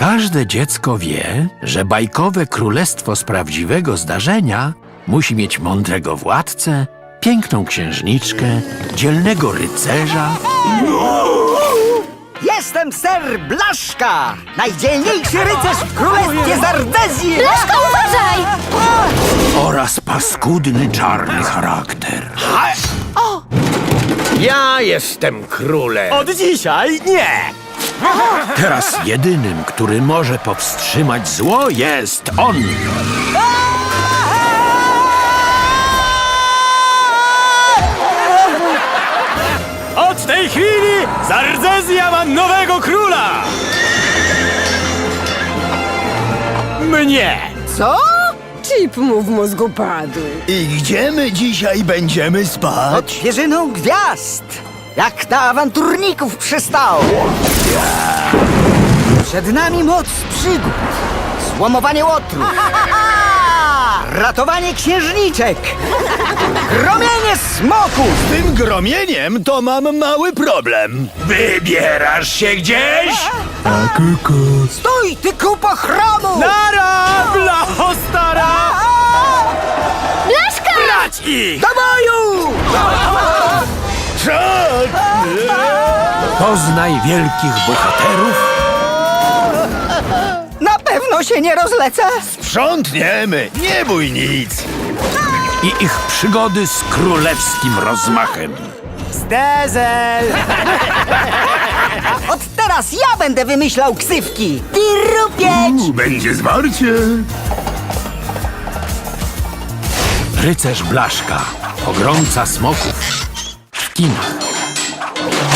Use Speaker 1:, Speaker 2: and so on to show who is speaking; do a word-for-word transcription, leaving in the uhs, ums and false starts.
Speaker 1: Każde dziecko wie, że bajkowe królestwo z prawdziwego zdarzenia musi mieć mądrego władcę, piękną księżniczkę, dzielnego rycerza.
Speaker 2: Jestem ser Blaszka, najdzielniejszy rycerz w królestwie Zardezji!
Speaker 3: Blaszka, uważaj!
Speaker 1: oraz paskudny czarny charakter.
Speaker 4: Ja jestem królem.
Speaker 2: Od dzisiaj nie!
Speaker 1: Teraz jedynym, który może powstrzymać zło, jest on.
Speaker 5: Od tej chwili Zardezja ma nowego króla! Mnie!
Speaker 2: Co?
Speaker 6: Chip mu w mózgu padł.
Speaker 7: I gdzie my dzisiaj będziemy
Speaker 2: Pod
Speaker 7: spać?
Speaker 2: świeżyną gwiazd! Jak na awanturników przystało! Przed nami moc przygód, złomowanie łotru, ratowanie księżniczek, gromienie smoków!
Speaker 7: Z tym gromieniem to mam mały problem.
Speaker 1: Wybierasz się gdzieś?
Speaker 7: A kuku.
Speaker 2: Stój, ty kupo chromu!
Speaker 5: Nara, blacho stara!
Speaker 3: Blaszka!
Speaker 5: Brać ich!
Speaker 2: Do boju!
Speaker 1: Poznaj wielkich bohaterów
Speaker 2: Na pewno się nie rozlecę!
Speaker 7: Sprzątniemy, nie bój nic.
Speaker 1: i ich przygody z królewskim rozmachem.
Speaker 2: Zdezel! Od teraz ja będę wymyślał ksywki! Pirupieć!
Speaker 7: Będzie zwarcie.
Speaker 1: Rycerz Blaszka, pogromca smoków w kinach.